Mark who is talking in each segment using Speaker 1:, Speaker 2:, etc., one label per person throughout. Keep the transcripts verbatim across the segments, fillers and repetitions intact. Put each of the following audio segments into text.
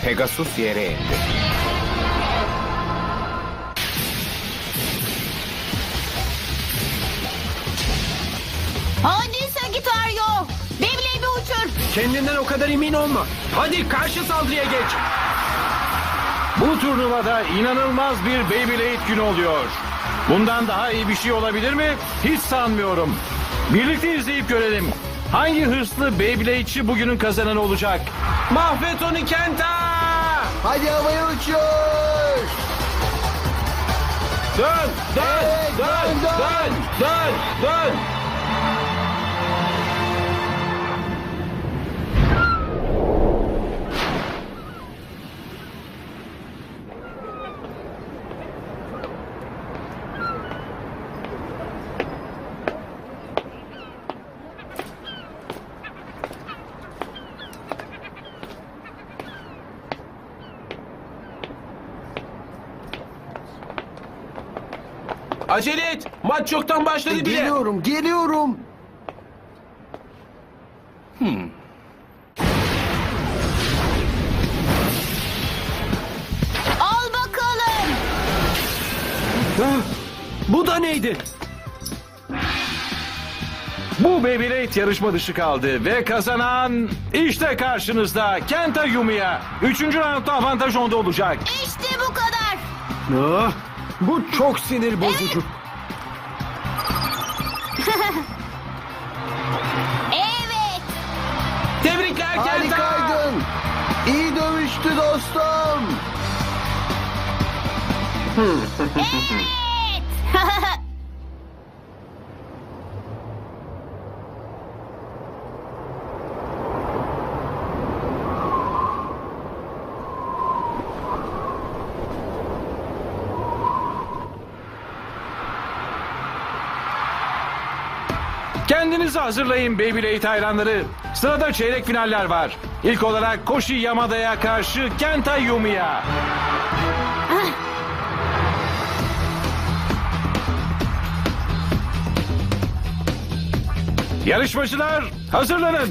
Speaker 1: Pegasus yere indi.
Speaker 2: Hadi Sagittario. Beyblade'i uçur.
Speaker 3: Kendinden o kadar emin olma. Hadi karşı saldırıya geç.
Speaker 4: Bu turnuvada inanılmaz bir Beyblade günü oluyor. Bundan daha iyi bir şey olabilir mi? Hiç sanmıyorum. Birlikte izleyip görelim. Hangi hırslı Beyblade'çi bugünün kazananı olacak?
Speaker 3: Mahvet onu Kenta!
Speaker 5: Hadi havaya uçuyor.
Speaker 3: Dön, dön,
Speaker 5: Evet,
Speaker 3: dön,
Speaker 5: dön,
Speaker 3: dön, dön, dön. Acele et. Maç çoktan başladı bile.
Speaker 5: Geliyorum, geliyorum.
Speaker 2: Al bakalım.
Speaker 3: Ah, bu da neydi?
Speaker 4: Bu Beyblade yarışma dışı kaldı ve kazanan işte karşınızda Kenta Yumiya. Üçüncü roundda avantaj onda olacak.
Speaker 2: İşte bu kadar.
Speaker 3: Ah, bu çok sinir bozucu.
Speaker 2: Evet.
Speaker 3: Tebrikler Kenta.
Speaker 5: Harikaydın. İyi dövüştü dostum.
Speaker 2: Evet.
Speaker 4: Kendinizi hazırlayın Beyblade hayranları. Sırada çeyrek finaller var. İlk olarak Koshi Yamada'ya karşı Kenta Yumiya. Yarışmacılar hazırlanın.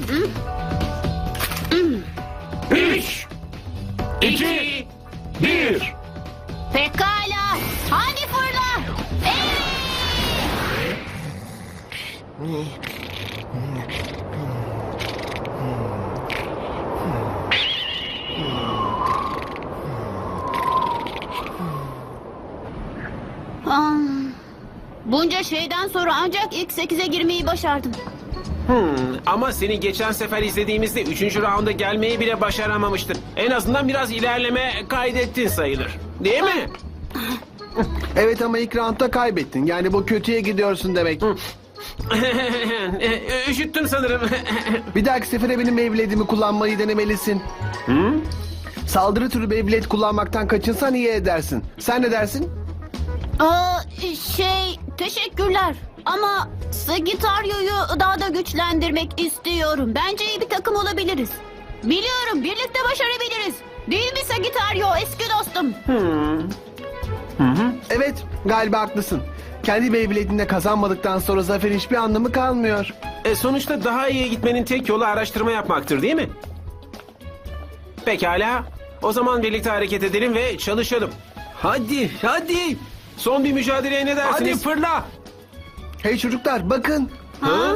Speaker 4: Üç, iki, bir.
Speaker 2: Pekala. Hadi fırla. Evet. Ah, bunca şeyden sonra ancak ilk sekize girmeyi başardım.
Speaker 3: Hmm, ama seni geçen sefer izlediğimizde üçüncü raunda gelmeyi bile başaramamıştın. En azından biraz ilerleme kaydettin sayılır. Değil mi?
Speaker 5: Evet ama ilk roundda kaybettin. Yani bu kötüye gidiyorsun demek.
Speaker 3: Üşüttün sanırım.
Speaker 5: Bir dahaki sefere benim Beyblade'imi kullanmayı denemelisin. Saldırı türü Beyblade kullanmaktan kaçınsan iyi edersin. Sen ne dersin?
Speaker 2: Aa, şey, teşekkürler. Ama Sagittario'yu daha da güçlendirmek istiyorum. Bence iyi bir takım olabiliriz. Biliyorum, birlikte başarabiliriz. Değil mi Sagittario, eski dostum?
Speaker 5: Evet, galiba haklısın. Kendi Beyblade'inde kazanmadıktan sonra zaferin hiçbir anlamı kalmıyor.
Speaker 3: E, sonuçta daha iyi gitmenin tek yolu araştırma yapmaktır değil mi? Pekala. O zaman birlikte hareket edelim ve çalışalım. Hadi, hadi. Son bir mücadeleye ne dersiniz? Hadi fırla.
Speaker 5: Hey çocuklar bakın.
Speaker 3: Ha?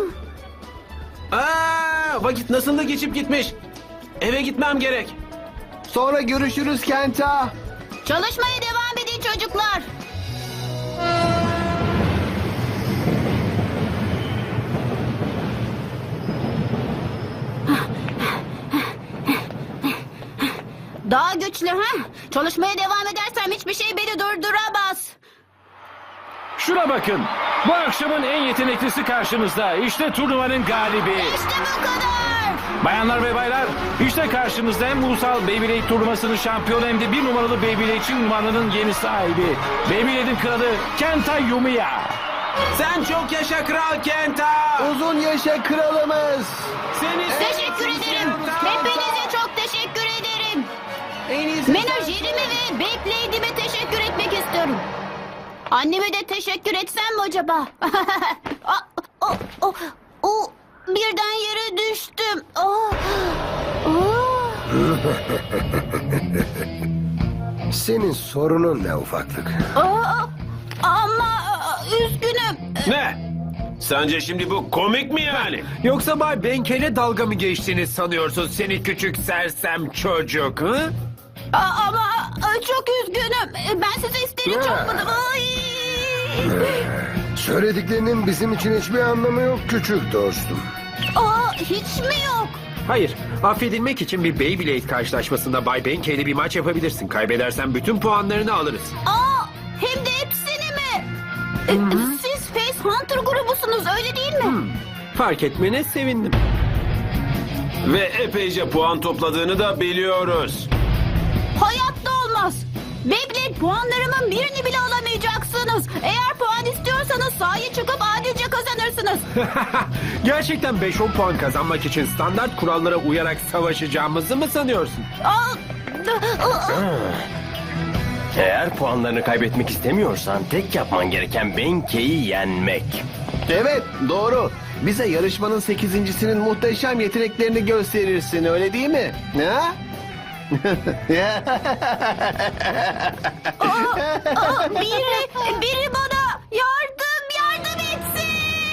Speaker 3: Aa, vakit nasıl da geçip gitmiş. Eve gitmem gerek.
Speaker 5: Sonra görüşürüz Kenta.
Speaker 2: Çalışmaya devam edin çocuklar. Daha güçlü ha? Çalışmaya devam edersem hiçbir şey beni durduramaz.
Speaker 4: Şuna bakın. Bu akşamın en yeteneklisi karşınızda. İşte turnuvanın galibi.
Speaker 2: İşte bu kadar.
Speaker 4: Bayanlar ve baylar, işte karşınızda hem ulusal Beyblade turnuvasının şampiyonu hem de bir numaralı Beyblade'çi unvanının yeni sahibi. Beyblade'in kralı Kenta Yumiya.
Speaker 3: Sen çok yaşa Kral Kenta.
Speaker 5: Uzun yaşa kralımız.
Speaker 3: Seni
Speaker 2: Teşekkür ederim. Hepinize çok teşekkür ederim.
Speaker 3: En iyisi
Speaker 2: Menajerime ve Beyblade'ime teşekkür etmek istiyorum. Anneme de teşekkür etsem mi acaba? o, o, o, o, birden yere düştüm. Oh, oh.
Speaker 1: Senin sorunun ne ufaklık?
Speaker 2: Aa, ama üzgünüm.
Speaker 3: Ne? Sence şimdi bu komik mi yani?
Speaker 6: Yoksa Bay Benkel'e dalga mı geçtiğini sanıyorsun seni küçük sersem çocuk? Hı?
Speaker 2: Aa, ama çok üzgünüm. Ben size isteğini
Speaker 1: Ya.
Speaker 2: çakmadım. Ay.
Speaker 1: Söylediklerinin bizim için hiçbir anlamı yok küçük dostum.
Speaker 2: Aa, hiç mi yok?
Speaker 6: Hayır, affedilmek için bir Beyblade karşılaşmasında Bay Benkel'le bir maç yapabilirsin. Kaybedersen bütün puanlarını alırız.
Speaker 2: Aa, hem de hepsini mi? E, Siz Face Hunter grubusunuz öyle değil mi?
Speaker 6: Fark etmene sevindim.
Speaker 3: Ve epeyce puan topladığını da biliyoruz.
Speaker 2: Hayatta olmaz. Beyblade puanlarımın birini bile alamayacaksınız. Eğer puan istiyorsanız sahaya çıkıp adilce kazanırsınız.
Speaker 6: Gerçekten beş on puan kazanmak için standart kurallara uyarak savaşacağımızı mı sanıyorsun?
Speaker 2: Aa,
Speaker 7: Eğer puanlarını kaybetmek istemiyorsan tek yapman gereken Benke'yi yenmek.
Speaker 5: Evet, doğru. Bize yarışmanın sekizincisinin muhteşem yeteneklerini gösterirsin, öyle değil mi? Ha?
Speaker 2: aa, biri, biri bana yardım, yardım etsin.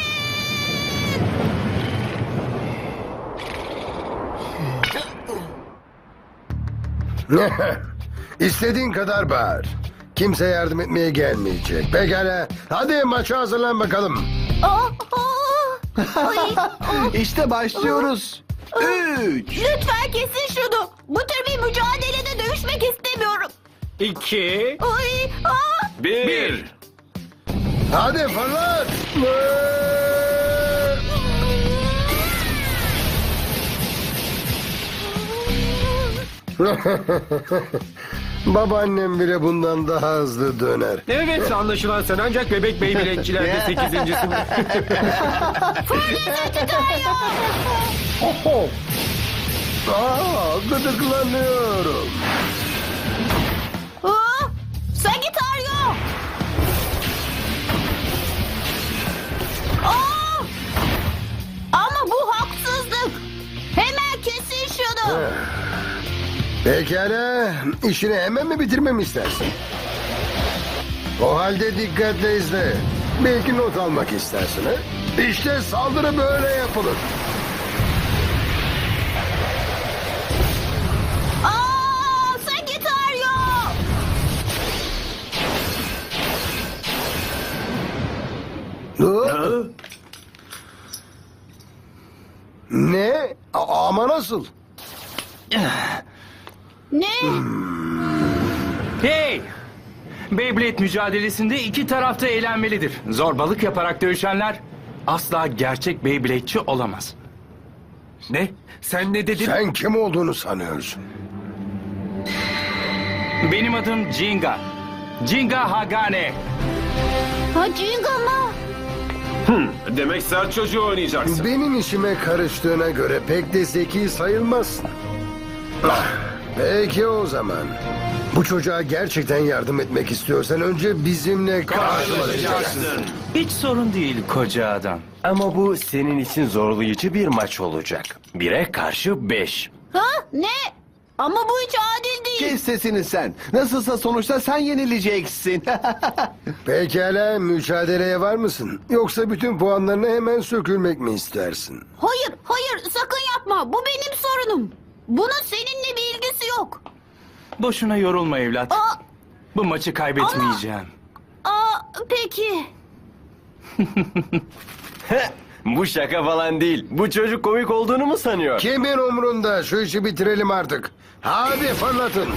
Speaker 1: İstediğin kadar bağır. Kimse yardım etmeye gelmeyecek. Pekala. Hadi maça hazırlan bakalım.
Speaker 2: Aa, aa. Ay, aa.
Speaker 5: İşte başlıyoruz. Üç.
Speaker 2: Lütfen kesin şunu. Bu tür bir mücadelede dövüşmek istemiyorum.
Speaker 6: İki,
Speaker 2: Ay, aa.
Speaker 3: Bir.
Speaker 6: bir.
Speaker 1: Hadi fırlat. Babaannem bile bundan daha hızlı döner.
Speaker 6: Evet, anlaşılan sen ancak bebek Beyblade'çilerde sekizincisin.
Speaker 1: Aa, gıdıklanıyorum.
Speaker 2: Aa, Sagittario. Aa! Ama bu haksızlık. Hemen kesin şunu.
Speaker 1: Pekala. İşini hemen mi bitirmemi istersin? O halde dikkatle izle. Belki not almak istersin ha? İşte saldırı böyle yapılır.
Speaker 2: Aa, Sagittario.
Speaker 1: Hı? Ne? A- ama nasıl?
Speaker 2: Ne?
Speaker 8: Hey! Beyblade mücadelesinde iki tarafta eğlenmelidir. Zorbalık yaparak dövüşenler asla gerçek Beyblade'çi olamaz.
Speaker 6: Ne? Sen ne dedin?
Speaker 1: Sen kim olduğunu sanıyorsun?
Speaker 8: Benim adım Jinga. Jinga Hagane.
Speaker 2: Ha, Jinga mı?
Speaker 3: Demek sert çocuğu oynayacaksın.
Speaker 1: Benim işime karıştığına göre pek de zeki sayılmazsın. Ah, peki o zaman. Bu çocuğa gerçekten yardım etmek istiyorsan önce bizimle karşılaşacaksın.
Speaker 8: Hiç sorun değil koca adam.
Speaker 7: Ama bu senin için zorlayıcı bir maç olacak. Bire karşı beş.
Speaker 2: Ha? Ne? Ama bu hiç adil değil.
Speaker 5: Kes sesini sen. Nasılsa sonuçta sen yenileceksin.
Speaker 1: Pekala, mücadeleye var mısın? Yoksa bütün puanlarını hemen sökülmek mi istersin?
Speaker 2: Hayır, hayır sakın yapma. Bu benim sorunum. Bunun seninle bir ilgisi yok.
Speaker 8: Boşuna yorulma evlat.
Speaker 2: Aa,
Speaker 8: Bu maçı kaybetmeyeceğim.
Speaker 2: aa, peki.
Speaker 7: Bu şaka falan değil. Bu çocuk komik olduğunu mu sanıyor?
Speaker 1: Kimin umrunda? Şu işi bitirelim artık. Hadi fırlatın.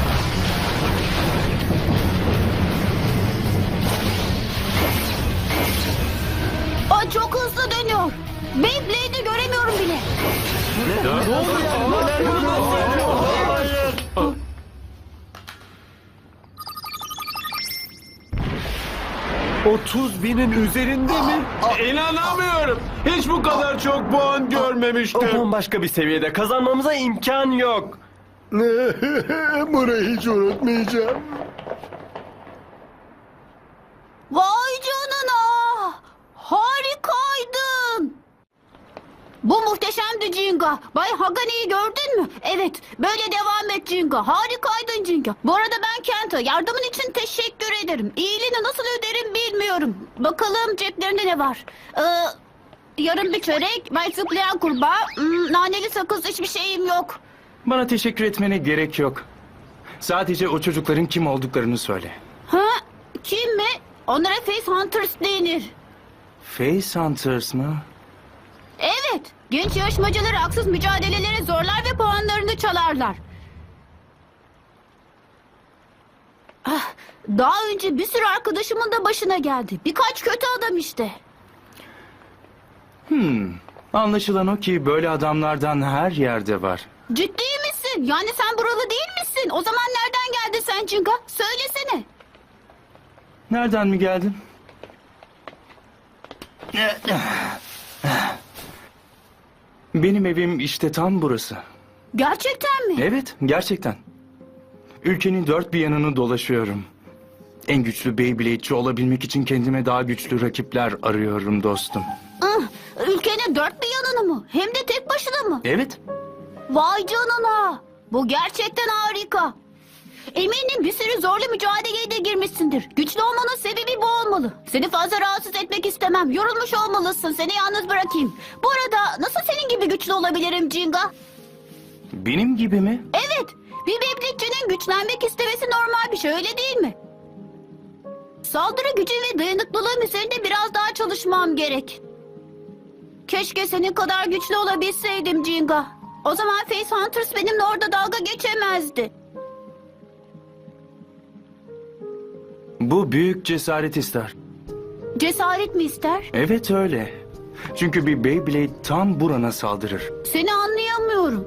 Speaker 2: Aa, çok hızlı dönüyor. Beyblade'i göremiyorum bile.
Speaker 6: otuz binin üzerinde mi?
Speaker 3: İnanamıyorum. Hiç bu kadar çok puan görmemiştim.
Speaker 7: Bambaşka bir seviyede kazanmamıza imkan yok.
Speaker 1: Burayı hiç unutmayacağım.
Speaker 2: Vay canına. Harikaydın. Bu muhteşemdi Jinga. Bay Hagani'yi gördün mü? Evet. Böyle devam et Jinga. Harikaydın Jinga. Bu arada ben Kenta. Yardımın için teşekkür ederim. İyiliğini nasıl öderim bilmiyorum. Bakalım ceplerinde ne var? Ee, yarım bir çörek, belki zıplayan kurbağa, hmm, naneli sakız, hiçbir şeyim yok.
Speaker 8: Bana teşekkür etmene gerek yok. Sadece o çocukların kim olduklarını söyle.
Speaker 2: Ha? Kim mi? Onlara Face Hunters denir.
Speaker 8: Face Hunters mı?
Speaker 2: Evet. Genç yarışmacıları haksız mücadelelere zorlar ve puanlarını çalarlar. Ah, daha önce bir sürü arkadaşımın da başına geldi. Birkaç kötü adam işte.
Speaker 8: Anlaşılan o ki böyle adamlardan her yerde var.
Speaker 2: Ciddi misin? Yani sen buralı değil misin? O zaman nereden geldin sen Jinga? Söylesene.
Speaker 8: Nereden mi geldin? Benim evim işte tam burası.
Speaker 2: Gerçekten mi?
Speaker 8: Evet, gerçekten. Ülkenin dört bir yanını dolaşıyorum. En güçlü Beyblade'ci olabilmek için kendime daha güçlü rakipler arıyorum dostum.
Speaker 2: Ah, ülkenin dört bir yanını mı? Hem de tek başına mı?
Speaker 8: Evet,
Speaker 2: Vay canına. Bu gerçekten harika. Eminim bir sürü zorlu mücadeleye de girmişsindir. Güçlü olmanın sebebi bu olmalı. Seni fazla rahatsız etmek istemem. Yorulmuş olmalısın. Seni yalnız bırakayım. Bu arada nasıl senin gibi güçlü olabilirim Jinga?
Speaker 8: benim gibi mi?
Speaker 2: Evet. Bir Beyblade'cinin güçlenmek istemesi normal bir şey, öyle değil mi? Saldırı gücü ve dayanıklılığım üzerinde biraz daha çalışmam gerek. Keşke senin kadar güçlü olabilseydim Jinga. O zaman Face Hunters benimle orada dalga geçemezdi.
Speaker 8: Bu büyük cesaret ister.
Speaker 2: Cesaret mi ister?
Speaker 8: Evet öyle. Çünkü bir Beyblade tam burana saldırır.
Speaker 2: Seni anlayamıyorum.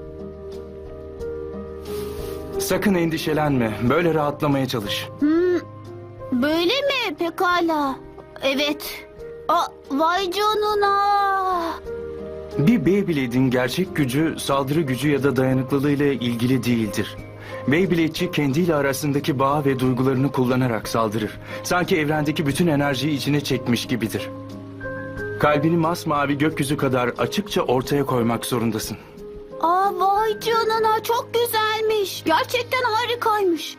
Speaker 8: Sakın endişelenme. Böyle rahatlamaya çalış.
Speaker 2: Böyle mi? Pekala. Evet. Aa, vay canına.
Speaker 8: Bir Beyblade'in gerçek gücü saldırı gücü ya da dayanıklılığıyla ilgili değildir. Beyblade'ci kendiyle arasındaki bağ ve duygularını kullanarak saldırır. Sanki evrendeki bütün enerjiyi içine çekmiş gibidir. Kalbini masmavi gökyüzü kadar açıkça ortaya koymak zorundasın.
Speaker 2: Aa, vay canına, çok güzelmiş. Gerçekten harikaymış.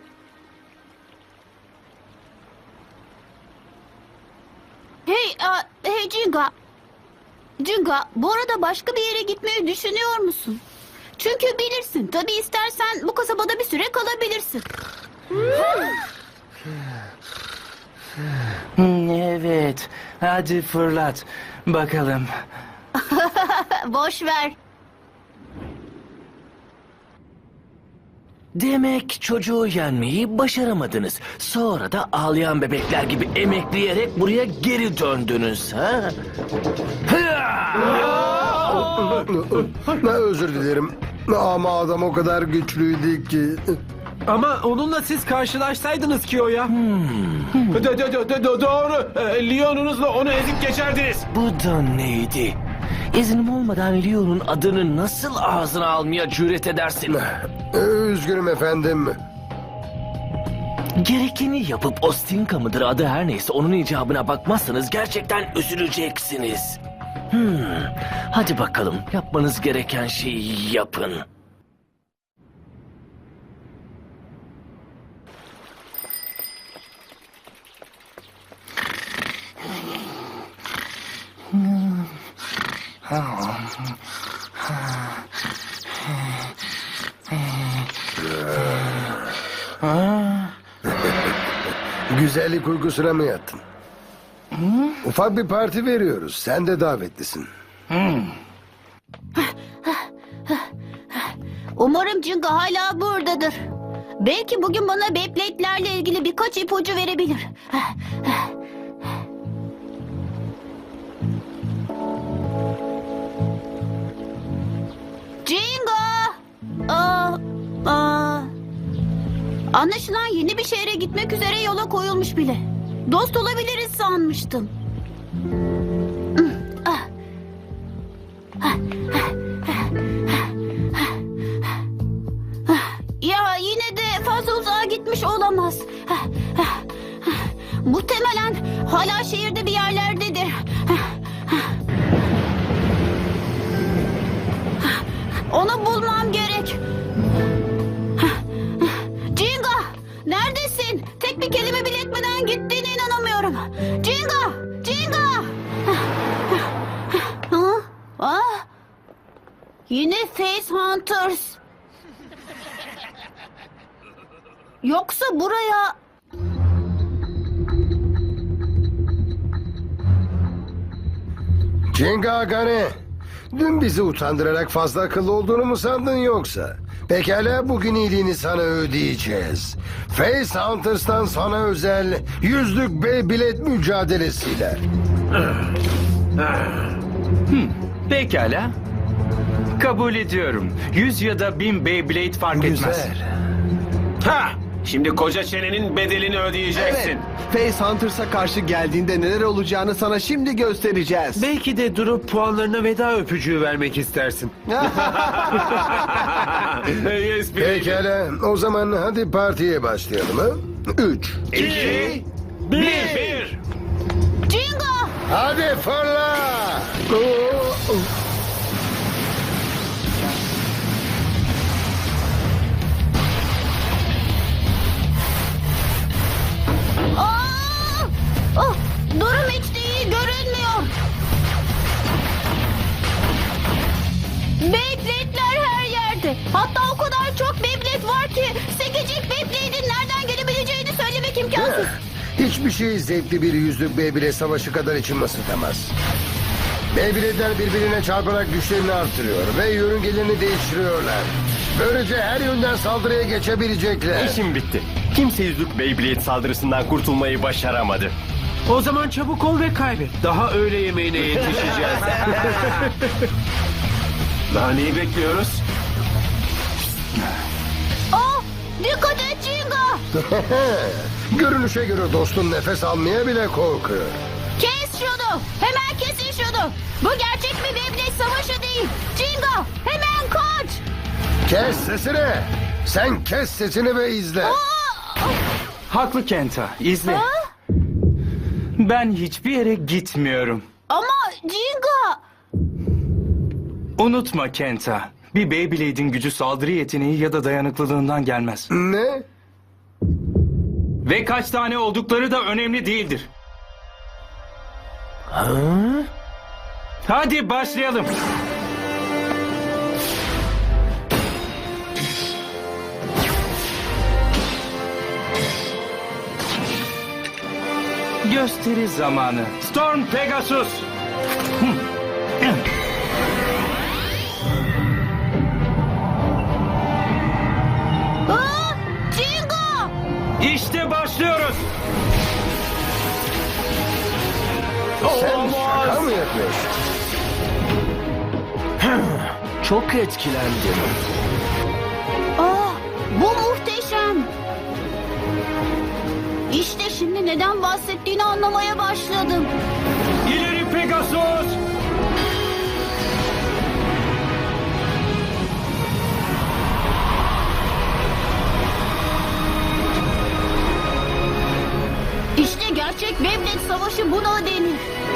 Speaker 2: Hey, a, hey Jinga. Jinga, bu arada başka bir yere gitmeyi düşünüyor musun? Çünkü bilirsin, tabii istersen bu kasabada bir süre kalabilirsin.
Speaker 8: Evet, hadi fırlat. Bakalım.
Speaker 2: Boş ver.
Speaker 9: Demek çocuğu yenmeyi başaramadınız. Sonra da ağlayan bebekler gibi emekleyerek buraya geri döndünüz, ha?
Speaker 1: Ne özür dilerim. Ama adam o kadar güçlüydü ki.
Speaker 6: Ama onunla siz karşılaşsaydınız ki o ya.
Speaker 3: Do- do- do- do- do- doğru. Ee, Leon'unuzla onu ezip geçerdiniz.
Speaker 9: Bu da neydi? İznim olmadan Leon'un adını nasıl ağzına almaya cüret edersin?
Speaker 1: Üzgünüm efendim.
Speaker 9: Gerekeni yapıp Ostinka mıdır adı her neyse onun icabına bakmazsanız gerçekten üzüleceksiniz. Hmm. Hadi bakalım yapmanız gereken şeyi yapın.
Speaker 1: Güzellik uykusuna mı yattın? Ufak bir parti veriyoruz. Sen de davetlisin.
Speaker 2: Umarım Jinga hala buradadır. Belki bugün bana Beyblade'lerle ilgili birkaç ipucu verebilir. Jinga! Aa, aa. Anlaşılan yeni bir şehre gitmek üzere yola koyulmuş bile. Dost olabiliriz sanmıştım. Ya yine de fazla uzağa gitmiş olamaz. Muhtemelen hala şehirde bir yerlerdedir. Onu bulmam gerek. Jinga, neredesin? Tek bir kelime bile etmeden gittiğine inanamıyorum. Jinga, Jinga. Ha? Ah, yine Face Hunters. Yoksa buraya...
Speaker 1: Jenga Agane, dün bizi utandırarak fazla akıllı olduğunu mu sandın yoksa? Pekala, bugün iyiliğini sana ödeyeceğiz. Face Hunters'tan sana özel yüzlük Beyblade mücadelesiyle.
Speaker 8: Pekala. Kabul ediyorum. Yüz ya da bin Beyblade fark etmez.
Speaker 3: Ha! Şimdi koca çenenin bedelini ödeyeceksin.
Speaker 5: Evet. Face Hunters'a karşı geldiğinde neler olacağını sana şimdi göstereceğiz.
Speaker 6: Belki de durup puanlarına veda öpücüğü vermek istersin.
Speaker 3: Yes, bir.
Speaker 1: Pekala, o zaman hadi partiye başlayalım ha? Üç.
Speaker 3: İki, bir. bir.
Speaker 2: Jinga!
Speaker 1: Hadi fırla! Oo,
Speaker 2: Aa! Oh, durum hiç de iyi görünmüyor. Beyblade'ler her yerde. Hatta o kadar çok Beyblade var ki sekecik Beyblade'in nereden gelebileceğini söylemek imkansız.
Speaker 1: Hiçbir şey zevkli bir yüzlük Beyblade savaşı kadar içimi ısıtamaz. Beyblade'ler birbirine çarparak güçlerini artırıyor ve yörüngelerini değiştiriyorlar. Böylece her yönden saldırıya geçebilecekler.
Speaker 7: İşim bitti. Kimse yüzlük Beyblade saldırısından kurtulmayı başaramadı.
Speaker 6: O zaman çabuk ol ve kaybet. Daha öğle yemeğine yetişeceğiz.
Speaker 3: Daha neyi bekliyoruz?
Speaker 2: Oh, dikkat et Jinga!
Speaker 1: Görünüşe göre dostun nefes almaya bile korkuyor.
Speaker 2: Kes şunu! Hemen kesin şunu! Bu gerçek bir Beyblade savaşı değil. Jinga, hemen kaç!
Speaker 1: Kes sesini! Sen kes sesini ve izle.
Speaker 2: Aa!
Speaker 8: Haklı Kenta. İzle.
Speaker 2: Ha?
Speaker 8: Ben hiçbir yere gitmiyorum.
Speaker 2: Ama Jinga...
Speaker 8: Unutma Kenta. Bir Beyblade'in gücü saldırı yeteneği ya da dayanıklılığından gelmez.
Speaker 1: Ne?
Speaker 8: Ve kaç tane oldukları da önemli değildir. Hadi başlayalım. Gösteri zamanı. Storm Pegasus.
Speaker 2: Aa! Jinga!
Speaker 8: İşte başlıyoruz.
Speaker 1: Sen şaka mı yapıyorsun?
Speaker 9: Çok etkilendim.
Speaker 2: Aa, bu muhteşem. İşte şimdi neden bahsettiğini anlamaya başladım.
Speaker 8: İleri Pegasus.
Speaker 2: İşte gerçek Beyblade savaşı buna denir.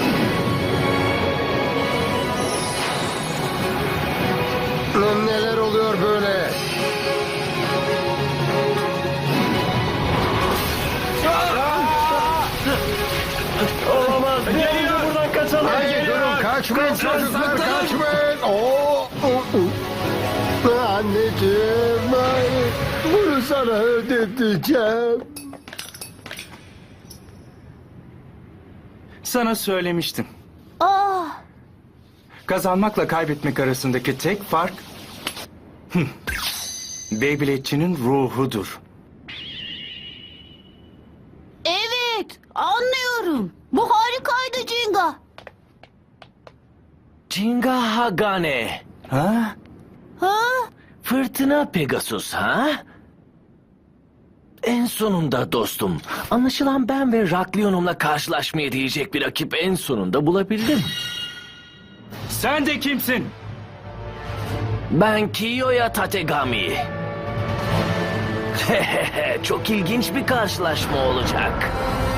Speaker 1: Neler oluyor böyle?
Speaker 7: Olamaz. Gelin de buradan kaçalım.
Speaker 1: Hey, durun, kaçmayın çocuklar, kaçmayın. Oo, oo, oo. Anneciğim, hayır. Bunu sana ödeteceğim.
Speaker 8: Sana söylemiştim.
Speaker 2: Aa,
Speaker 8: Kazanmakla kaybetmek arasındaki tek fark... Hıh. Beyblade'çinin ruhudur.
Speaker 2: evet, anlıyorum. Bu harikaydı Jinga.
Speaker 9: Jinga Hagane.
Speaker 8: Ha?
Speaker 2: Ha?
Speaker 9: Fırtına Pegasus ha? En sonunda dostum. Anlaşılan ben ve Raklion'umla karşılaşmaya diyecek bir rakip en sonunda bulabildim.
Speaker 8: Sen de kimsin?
Speaker 9: Ben Kiyoya Tategami. Çok ilginç bir karşılaşma olacak.